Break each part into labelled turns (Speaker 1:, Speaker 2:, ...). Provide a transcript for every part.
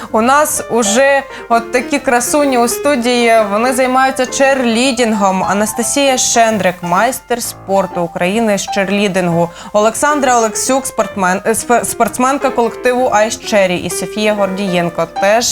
Speaker 1: У нас уже от такі красуні у студії, вони займаються черлідингом. Анастасія Шендрик, майстер спорту України з черлідингу. Олександра Олексюк, спортсменка колективу Ice Cherry. І Софія Гордієнко, теж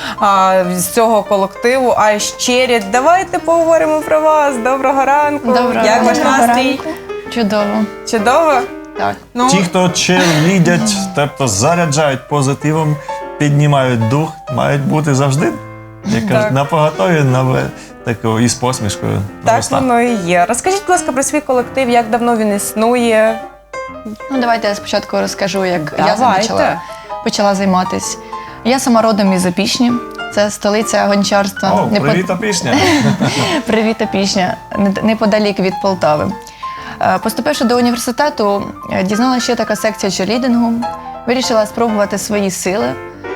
Speaker 1: з цього колективу Ice Cherry. Давайте поговоримо про вас. Доброго ранку.
Speaker 2: Доброго.
Speaker 1: Як ваш настрій?
Speaker 2: Чудово.
Speaker 1: Чудово?
Speaker 2: Так.
Speaker 1: Ну,
Speaker 3: Ті, хто черлідять, тобто заряджають позитивом, піднімають дух, мають бути завжди, як кажуть, напоготові, і з посмішкою на
Speaker 1: так
Speaker 3: устах.
Speaker 1: воно і є. Розкажіть, будь ласка, про свій колектив, як давно він існує?
Speaker 2: Ну, давайте я спочатку розкажу, як
Speaker 1: Давайте.
Speaker 2: я почала займатися. Я сама родом із Опішні, це столиця гончарства.
Speaker 3: О, привіт, Опішня!
Speaker 2: Привіт, Опішня, неподалік від Полтави. Поступивши до університету, дізналася, що є така секція черлідингу, вирішила спробувати свої сили.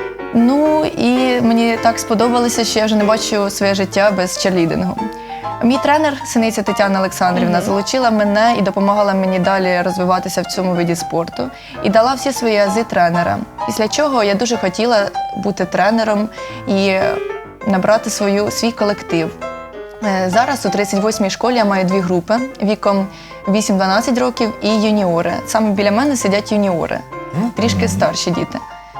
Speaker 2: Ну і мені так сподобалося, що я вже не бачу своє життя без черлідингу. Мій тренер, синиця Тетяна Олександрівна, залучила мене і допомагала мені далі розвиватися в цьому виді спорту. І дала всі свої ази тренера. Після чого я дуже хотіла бути тренером і набрати свій колектив. Зараз у 38-й школі я маю 2 групи віком 8-12 років і юніори. Саме біля мене сидять юніори, трішки старші діти.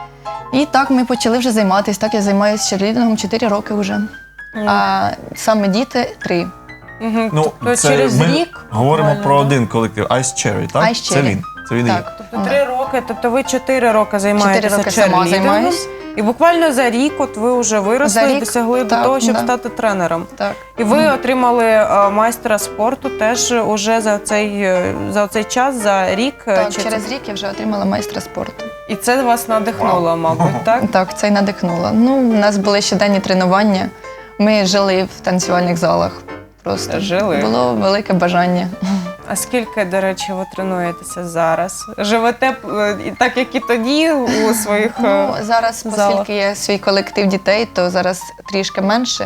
Speaker 2: І так ми почали вже займатися. Так я займаюся черлідингом 4 роки вже. А саме діти 3.
Speaker 3: Ну,
Speaker 1: Тобто через рік
Speaker 3: говоримо
Speaker 1: буквально,
Speaker 3: про
Speaker 1: да?
Speaker 3: один колектив Ice Cherry, так?
Speaker 2: Ice
Speaker 3: Це
Speaker 2: Cherry.
Speaker 3: він. Це він.
Speaker 2: Так.
Speaker 1: Тобто 3 роки, тобто ви 4 роки займаєтеся
Speaker 2: 4 роки сама
Speaker 1: черлідингом.
Speaker 2: займаюсь.
Speaker 1: І буквально за рік от ви вже виросли
Speaker 2: За
Speaker 1: і
Speaker 2: рік,
Speaker 1: досягли до
Speaker 2: так,
Speaker 1: того, щоб
Speaker 2: да.
Speaker 1: стати тренером.
Speaker 2: Так.
Speaker 1: І ви отримали майстра спорту теж уже за цей час, за рік?
Speaker 2: Так,
Speaker 1: Чи
Speaker 2: через
Speaker 1: це...
Speaker 2: рік я вже отримала майстра спорту.
Speaker 1: І це вас надихнуло, мабуть, так?
Speaker 2: Так, це й надихнуло. Ну, у нас були щоденні тренування. Ми жили в танцювальних залах. Просто
Speaker 1: Жили?
Speaker 2: було велике бажання.
Speaker 1: А скільки, до речі, ви тренуєтеся зараз? Живете так, як і тоді у своїх
Speaker 2: Ну, зараз,
Speaker 1: залах?
Speaker 2: оскільки є свій колектив дітей, то зараз трішки менше.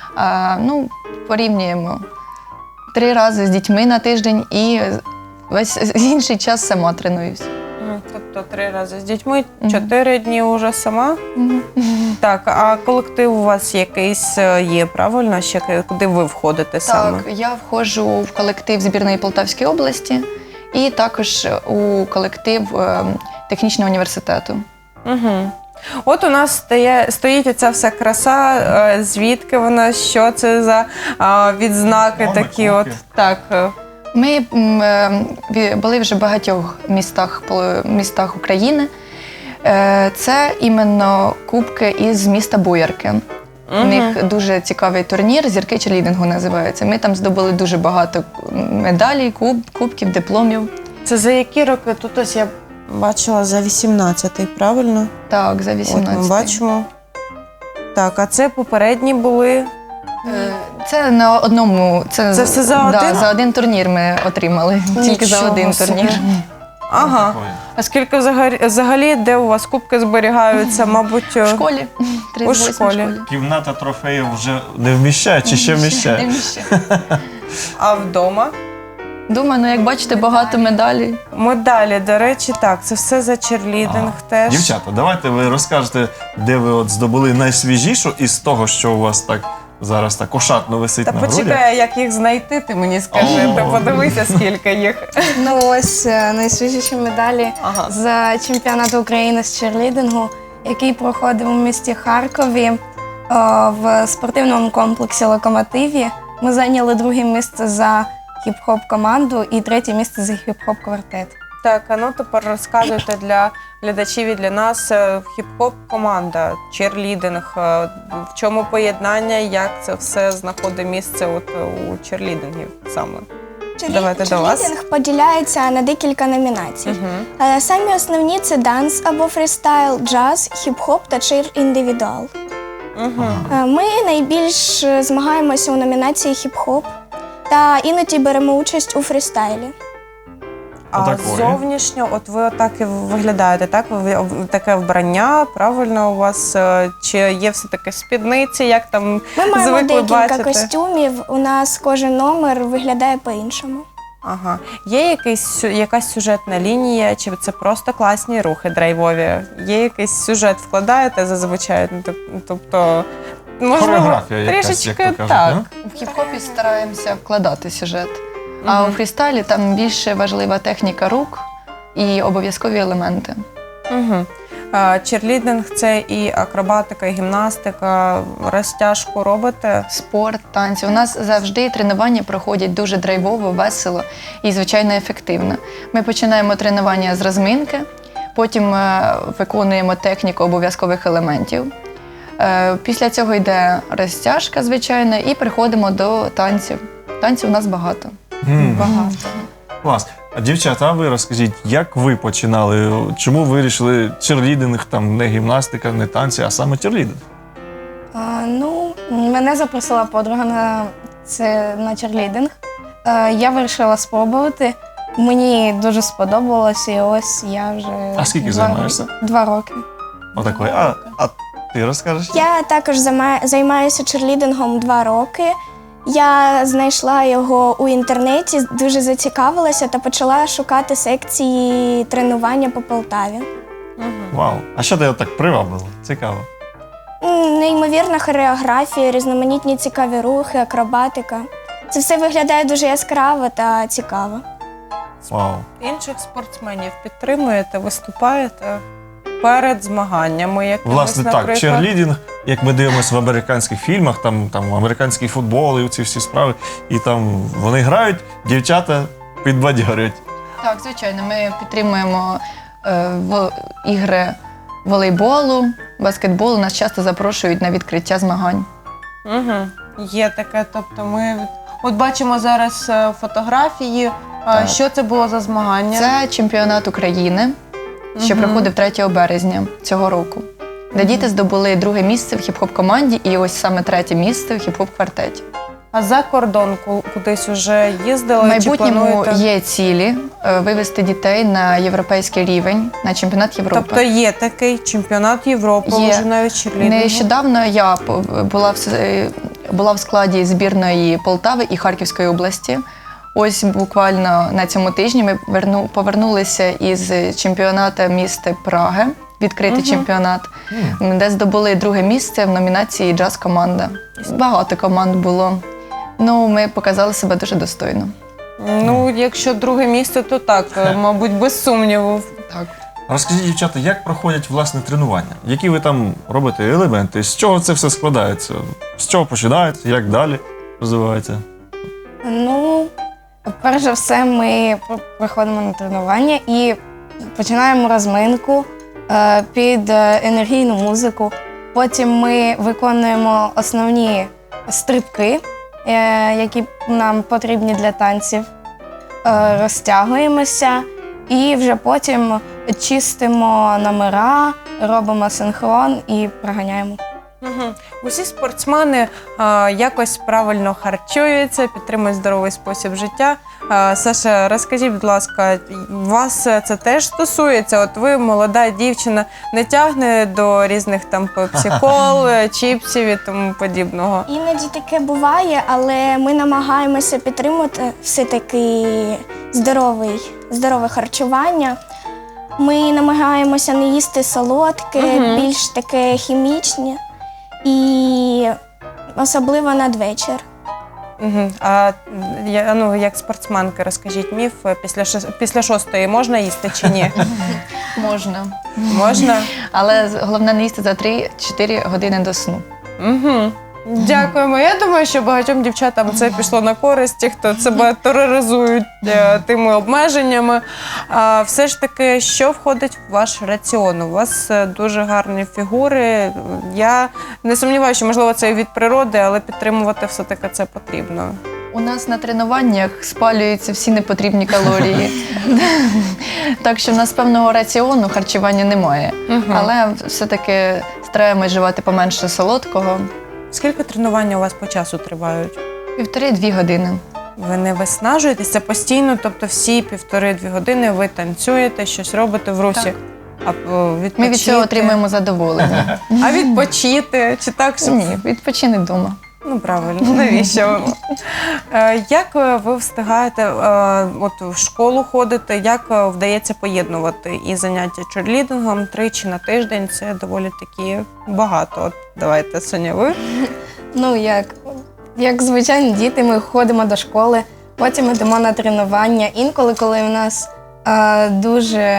Speaker 2: Ну, порівнюємо 3 рази з дітьми на тиждень і весь інший час сама тренуюсь.
Speaker 1: Тобто 3 рази з дітьми, 4 дні вже сама? Так, а колектив у вас якийсь є, правильно? Ще куди ви входите саме?
Speaker 2: Так, я входжу в колектив збірної Полтавської області і також у колектив технічного університету.
Speaker 1: Угу. От у нас стоїть оця вся краса, звідки вона, що це за відзнаки
Speaker 3: Номер,
Speaker 1: такі от.
Speaker 3: кубки.
Speaker 1: Так.
Speaker 2: Ми були вже в багатьох містах України. Це іменно кубки із міста Боярки. У них дуже цікавий турнір, «Зірки черлідингу» називається. Ми там здобули дуже багато медалей, кубків, дипломів.
Speaker 1: Це за які роки? Тут ось я бачила за 18-й, правильно?
Speaker 2: Так, за
Speaker 1: От
Speaker 2: 18.
Speaker 1: ми бачимо. Так, а це попередні були?
Speaker 2: Це на одному.
Speaker 1: Це все за
Speaker 2: Да,
Speaker 1: один?
Speaker 2: за один турнір ми отримали. Тільки за
Speaker 1: Нічого
Speaker 2: один
Speaker 1: собі.
Speaker 2: турнір.
Speaker 1: Ага. А скільки взагалі, де у вас кубки зберігаються, мабуть,
Speaker 2: В школі. 38-й
Speaker 1: школі.
Speaker 3: Кімната трофеїв вже не вміщає чи ще
Speaker 2: Не
Speaker 3: вміщає?
Speaker 2: вміщає.
Speaker 1: а вдома?
Speaker 2: Думаю, ну як бачите, багато медалей.
Speaker 1: Медалі, до речі, так, це все за черлідинг теж.
Speaker 3: Дівчата, давайте ви розкажете, де ви от здобули найсвіжішу із того, що у вас так зараз так ошатно висить
Speaker 1: Та
Speaker 3: на грудях.
Speaker 1: почекай, як їх знайти, ти мені скажи,
Speaker 3: О.
Speaker 1: ти подивися, скільки їх.
Speaker 4: Ну ось найсвіжіші медалі
Speaker 1: Ага.
Speaker 4: за чемпіонат України з черлідингу, який проходив у місті Харкові в спортивному комплексі «Локомотиві». Ми зайняли 2-е місце за хіп-хоп команду і 3-е місце за хіп-хоп квартет.
Speaker 1: Так, а ну тепер розказуйте для глядачів і для нас хіп-хоп команда, черлідинг, в чому поєднання, як це все знаходить місце от у черлідингів саме. Давайте до вас.
Speaker 5: Черлідинг поділяється на декілька номінацій. Самі основні – це данс або фрістайл, джаз, хіп-хоп та чир-індивідуал. Ми найбільш змагаємося у номінації хіп-хоп та іноді беремо участь у фрістайлі.
Speaker 1: А
Speaker 3: Отакої.
Speaker 1: зовнішньо, от ви отак і виглядаєте, так? Ви таке вбрання, правильно у вас? Чи є все-таки спідниці, як там
Speaker 5: Ми маємо
Speaker 1: звикли
Speaker 5: декілька
Speaker 1: бачити?
Speaker 5: костюмів, у нас кожен номер виглядає по-іншому.
Speaker 1: Ага. Є якась сюжетна лінія, чи це просто класні рухи драйвові? Є якийсь сюжет вкладаєте зазвичай? Ну, тобто, можливо,
Speaker 3: Хореографія якась,
Speaker 1: трішечки
Speaker 3: як то кажуть,
Speaker 1: так.
Speaker 3: да?
Speaker 2: В хіп-хопі стараємося вкладати сюжет. А у фрістайлі там більше важлива техніка рук і обов'язкові елементи.
Speaker 1: Угу. Черлідинг – це і акробатика, і гімнастика, розтяжку робите?
Speaker 2: Спорт, танці. У нас завжди тренування проходять дуже драйвово, весело і, звичайно, ефективно. Ми починаємо тренування з розминки, потім виконуємо техніку обов'язкових елементів. Після цього йде розтяжка, звичайно, і приходимо до танців. Танців у нас багато.
Speaker 1: Багато.
Speaker 3: Клас. А дівчата, а ви розкажіть, як ви починали? Чому ви вирішили черлідинг, там не гімнастика, не танці, а саме черлідинг?
Speaker 4: Мене запросила подруга на черлідинг. Я вирішила спробувати. Мені дуже сподобалося, і ось я вже...
Speaker 3: А скільки займаєшся?
Speaker 4: 2 роки.
Speaker 3: Отакої. А ти розкажеш?
Speaker 5: Я також займаюся черлідингом 2 роки. Я знайшла його у інтернеті, дуже зацікавилася та почала шукати секції тренування по Полтаві.
Speaker 3: Вау. А що тебе так привабило? Цікаво.
Speaker 5: Неймовірна хореографія, різноманітні цікаві рухи, акробатика. Це все виглядає дуже яскраво та цікаво.
Speaker 3: Вау.
Speaker 1: Інших спортсменів підтримуєте, виступаєте перед змаганнями якимись,
Speaker 3: Власне, так,
Speaker 1: наприклад?
Speaker 3: черлідинг, як ми дивимося в американських фільмах, там американський футбол і ці всі справи, і там вони грають, дівчата підбадьорюють.
Speaker 2: Так, звичайно, ми підтримуємо ігри волейболу, баскетболу. Нас часто запрошують на відкриття змагань.
Speaker 1: Угу. Є таке, тобто ми от бачимо зараз фотографії.
Speaker 2: Так.
Speaker 1: Що це було за змагання?
Speaker 2: Це чемпіонат України, що проходив 3 березня цього року, де діти здобули 2 місце в хіп-хоп-команді і ось саме 3 місце в хіп-хоп-квартеті.
Speaker 1: А за кордон кудись уже їздили?
Speaker 2: В майбутньому
Speaker 1: чи плануєте?
Speaker 2: є цілі вивести дітей на європейський рівень, на чемпіонат Європи.
Speaker 1: Тобто є такий чемпіонат Європи,
Speaker 2: Є.
Speaker 1: вже навіть черлідингу?
Speaker 2: Нещодавно я була в складі збірної Полтави і Харківської області. Ось буквально на цьому тижні ми повернулися із чемпіонату міста Праги, відкритий чемпіонат, де здобули 2 місце в номінації «Джаз-команда». Багато команд було. Ну, ми показали себе дуже достойно.
Speaker 1: Ну, якщо 2 місце, то так, мабуть, без сумніву.
Speaker 2: Так.
Speaker 3: Розкажіть, дівчата, як проходять власне тренування? Які ви там робите елементи? З чого це все складається? З чого починається? Як далі розвивається?
Speaker 4: Перш за все, ми приходимо на тренування і починаємо розминку під енергійну музику. Потім ми виконуємо основні стрибки, які нам потрібні для танців, розтягуємося і вже потім чистимо номера, робимо синхрон і проганяємо.
Speaker 1: Угу. Усі спортсмени якось правильно харчуються, підтримують здоровий спосіб життя. Саша, розкажіть, будь ласка, вас це теж стосується? От ви, молода дівчина, не тягне до різних там пепсі-кол, чіпсів і тому подібного?
Speaker 5: Іноді таке буває, але ми намагаємося підтримувати все-таки здорове харчування. Ми намагаємося не їсти солодке, більш таке хімічне і особливо надвечір.
Speaker 1: Угу. А як спортсменки, розкажіть міф, після 6-ї можна їсти чи ні?
Speaker 2: Можна.
Speaker 1: Можна?
Speaker 2: Але головне не їсти за 3-4 години до сну.
Speaker 1: Угу. Дякуємо. Я думаю, що багатьом дівчатам це пішло на користь, ті, хто себе тероризують тими обмеженнями. Все ж таки, що входить в ваш раціон? У вас дуже гарні фігури. Я не сумніваюся, що, можливо, це і від природи, але підтримувати все-таки це потрібно.
Speaker 2: У нас на тренуваннях спалюються всі непотрібні калорії. Так що в нас певного раціону харчування немає. Але все-таки стараємось вживати поменше солодкого.
Speaker 1: Скільки тренувань у вас по часу тривають?
Speaker 2: 1,5-2 години.
Speaker 1: Ви не виснажуєтеся постійно, тобто всі 1,5-2 години ви танцюєте, щось робите в русі.
Speaker 2: Так.
Speaker 1: А відпочити?
Speaker 2: Ми від цього отримуємо задоволення.
Speaker 1: А відпочити? Чи так?
Speaker 2: Ні, відпочини вдома.
Speaker 1: Ну, правильно, навіщо воно? Як ви встигаєте от в школу ходити, як вдається поєднувати і заняття черлідингом 3 на тиждень? Це доволі таки багато. От давайте, Соня, ви?
Speaker 4: Ну, як звичайні діти, ми ходимо до школи, потім йдемо на тренування. Інколи, коли в нас дуже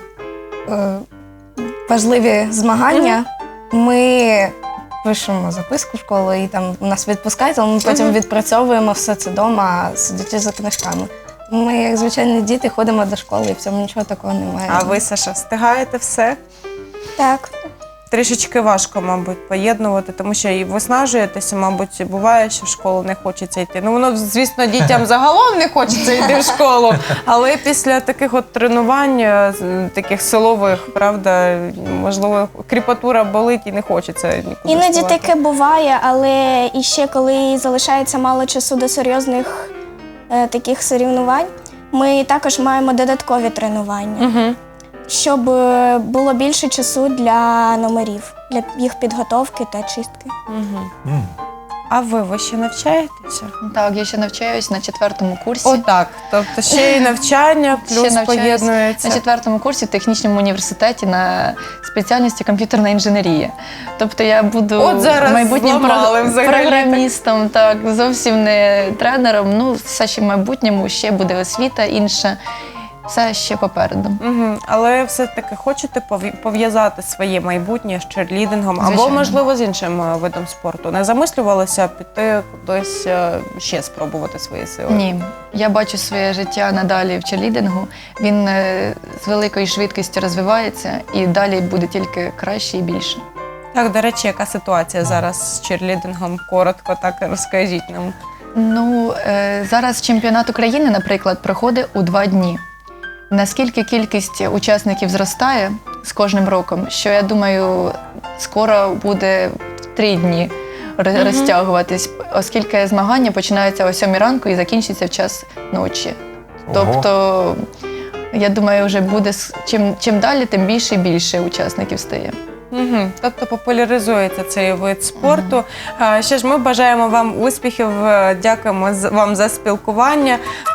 Speaker 4: важливі змагання, ми пишемо записку в школу і там нас відпускають, але ми потім відпрацьовуємо все це вдома, сидячи за книжками. Ми, як звичайні діти, ходимо до школи і в цьому нічого такого немає.
Speaker 1: А ви, Саша, встигаєте все?
Speaker 5: Так.
Speaker 1: Трішечки важко, мабуть, поєднувати, тому що і виснажуєтеся, мабуть, буває, що в школу не хочеться йти. Ну, воно, звісно, дітям загалом не хочеться йти в школу, але після таких от тренувань, таких силових, правда, можливо, кріпатура болить і не хочеться нікуди
Speaker 5: Іноді
Speaker 1: вставати.
Speaker 5: таке буває, але і ще коли залишається мало часу до серйозних таких соревнувань, ми також маємо додаткові тренування, щоб було більше часу для номерів, для їх підготовки та чистки.
Speaker 1: А ви ще навчаєтеся?
Speaker 2: Так, я ще навчаюсь на 4-му курсі.
Speaker 1: Отак. Тобто ще й навчання,
Speaker 2: Ще
Speaker 1: плюс
Speaker 2: навчаюсь
Speaker 1: поєднується.
Speaker 2: на 4-му курсі в технічному університеті на спеціальності комп'ютерна інженерія. Тобто я буду
Speaker 1: От зараз
Speaker 2: майбутнім
Speaker 1: зламали взагалі.
Speaker 2: програмістом, так, зовсім не тренером. Ну, все ще в майбутньому, ще буде освіта інша. Все ще попереду.
Speaker 1: Але все-таки хочете пов'язати своє майбутнє з черлідингом або,
Speaker 2: Звичайно.
Speaker 1: можливо, з іншим видом спорту? Не замислювалися піти кудись ще спробувати свої сили?
Speaker 2: Ні, я бачу своє життя надалі в черлідингу. Він з великою швидкістю розвивається і далі буде тільки краще і більше.
Speaker 1: Так, до речі, яка ситуація зараз з черлідингом? Коротко так розкажіть нам.
Speaker 2: Ну, зараз чемпіонат України, наприклад, проходить у 2 дні. Наскільки кількість учасників зростає з кожним роком, що, я думаю, скоро буде в 3 дні розтягуватись, оскільки змагання починаються о 7 ранку і закінчаться в час ночі. Тобто, я думаю, вже буде чим далі, тим більше і більше учасників стає.
Speaker 1: Тобто популяризується цей вид спорту. Що ж, ми бажаємо вам успіхів, дякуємо вам за спілкування.